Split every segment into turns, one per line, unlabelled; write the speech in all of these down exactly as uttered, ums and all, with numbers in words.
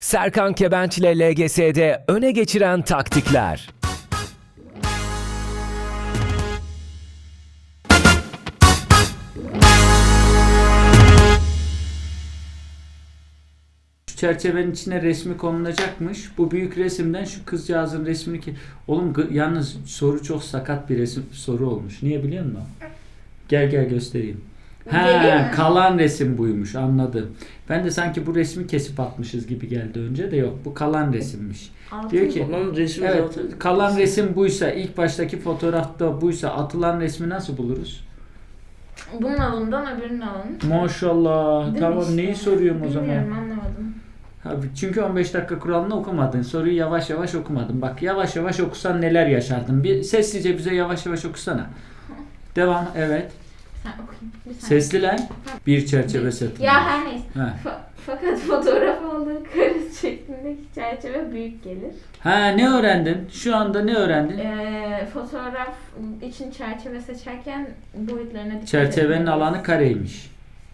Serkan Kebenç ile L G S'de öne geçiren taktikler.
Şu çerçevenin içine resmi konulacakmış. Bu büyük resimden şu kızcağızın resmini ki... Oğlum gı- yalnız soru çok sakat bir resim soru olmuş. Niye biliyor musun? Gel gel göstereyim. He, kalan resim buymuş, anladım. Ben de sanki bu resmi kesip atmışız gibi geldi önce de yok. Bu kalan resimmiş.
Altın
Diyor ki
Kalan resim
evet,
zaten.
kalan resim buysa, ilk baştaki fotoğrafta buysa atılan resmi nasıl buluruz?
Bunun alından öbürünün alın.
Maşallah.
Değil mi
Tamam
işte?
neyi soruyorum o zaman?
Bilmiyorum, anlamadım.
Abi çünkü on beş dakika kuralını okumadın. Soruyu yavaş yavaş okumadın. Bak yavaş yavaş okusan neler yaşardın. Bir sessizce bize yavaş yavaş okusana. Devam. Evet.
Sen okuyayım. Bir saniye.
Sesli lan. Bir çerçeve satın.
Ya her neyse.
He.
Fa- fakat fotoğraf aldığı karız şeklindeki çerçeve büyük gelir.
Ha ne öğrendin? Şu anda ne öğrendin?
Ee, fotoğraf için çerçeve seçerken boyutlarına dikkat
Çerçevenin
etmeliyiz.
alanı kareymiş.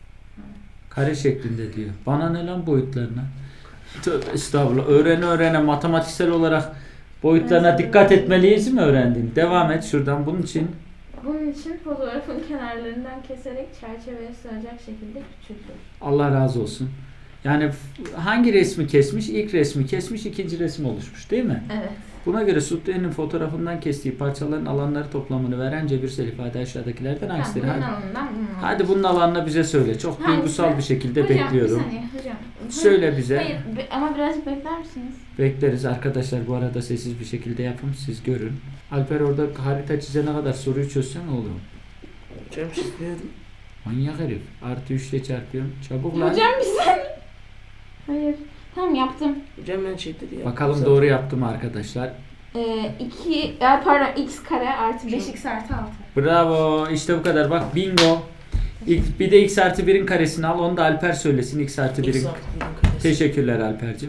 Kare şeklinde diyor. Bana ne lan boyutlarına? Tövbe estağfurullah. Öğrene öğrene matematiksel olarak boyutlarına
Evet.
dikkat etmeliyiz mi öğrendin? Devam et şuradan bunun için.
Bunun için fotoğrafın kenarlarından keserek çerçeveye sığacak şekilde küçültür.
Allah razı olsun. Yani f- hangi resmi kesmiş? İlk resmi kesmiş, ikinci resim oluşmuş değil mi?
Evet.
Buna göre Sudri'nin fotoğrafından kestiği parçaların alanları toplamını veren cebirsel ifade aşağıdakilerden
Tamam,
hangisidir?
bunun
Hadi,
alanından bunun alanından.
hadi bunun alanını bize söyle. Çok
Hangisi?
duygusal bir şekilde
Hocam,
bekliyorum.
bir saniye hocam.
Söyle bize.
Hayır be- ama birazcık bekler misiniz?
Bekleriz arkadaşlar, bu arada sessiz bir şekilde yapın, siz görün. Alper orada harita çizene kadar soruyu çözsen olur.
Hocam çizmiyorum.
Manyak herif. Artı üç ile çarpıyorum. Çabuk lan.
Hocam bir saniye. Hayır. Tamam yaptım.
Hocam ben çekti ya.
Bakalım doğru yaptım arkadaşlar.
Ee, iki, e, pardon x kare artı beş x artı altı.
Bravo. İşte bu kadar. Bak bingo. İlk, bir de x artı birin karesini al. Onu da Alper söylesin. X artı birin. Teşekkürler Alper'cim.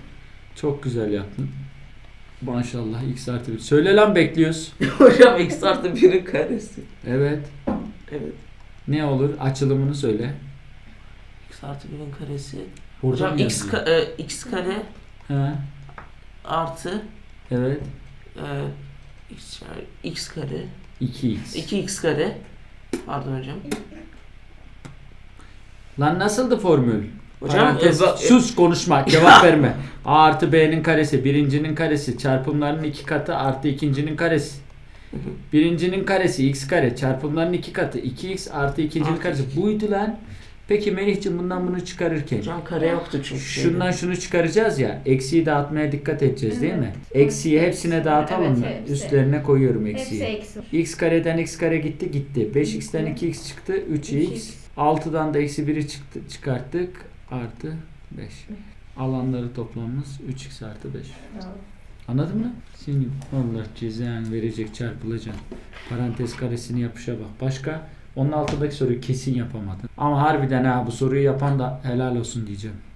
Çok güzel yaptın. Maşallah x artı bir. Söyle lan, bekliyoruz.
Hocam x artı birin karesi.
Evet.
Evet.
Ne olur? Açılımını söyle.
X artı birin karesi.
Burada
Hocam
mı
x,
yazıyor?
ka- e, x kare
He.
artı
Evet.
e, x, x kare
iki x.
iki x kare. Pardon hocam.
Lan nasıldı formül?
Hocam
Parantez,
e, ba-
sus konuşma, cevap verme. A artı B'nin karesi, birincinin karesi, çarpımlarının iki katı artı ikincinin karesi. Birincinin karesi x kare, çarpımların iki katı iki x artı ikincinin
Artı
karesi.
iki.
Buydu lan. Peki Melih'cim bundan bunu çıkarırken
Hocam kare yoktu çünkü.
şundan şunu çıkaracağız ya, eksiği dağıtmaya dikkat edeceğiz değil mi? Eksiği hepsine dağıtalım
Evet,
mı?
hepsi.
Üstlerine koyuyorum
Hepsi
eksiği.
eksi.
X kareden x kare gitti gitti. beş x'ten iki x çıktı üç
üç
x.
x.
altıdan da eksi biri çıktı, çıkarttık. Artı beş. Alanları toplamımız üç x artı beş. Anladın mı? Şimdi onlar cezan verecek, çarpılacak. Parantez karesini yapışa bak. Başka? Onun altındaki soruyu kesin yapamadın. Ama harbiden ha, bu soruyu yapan da helal olsun diyeceğim.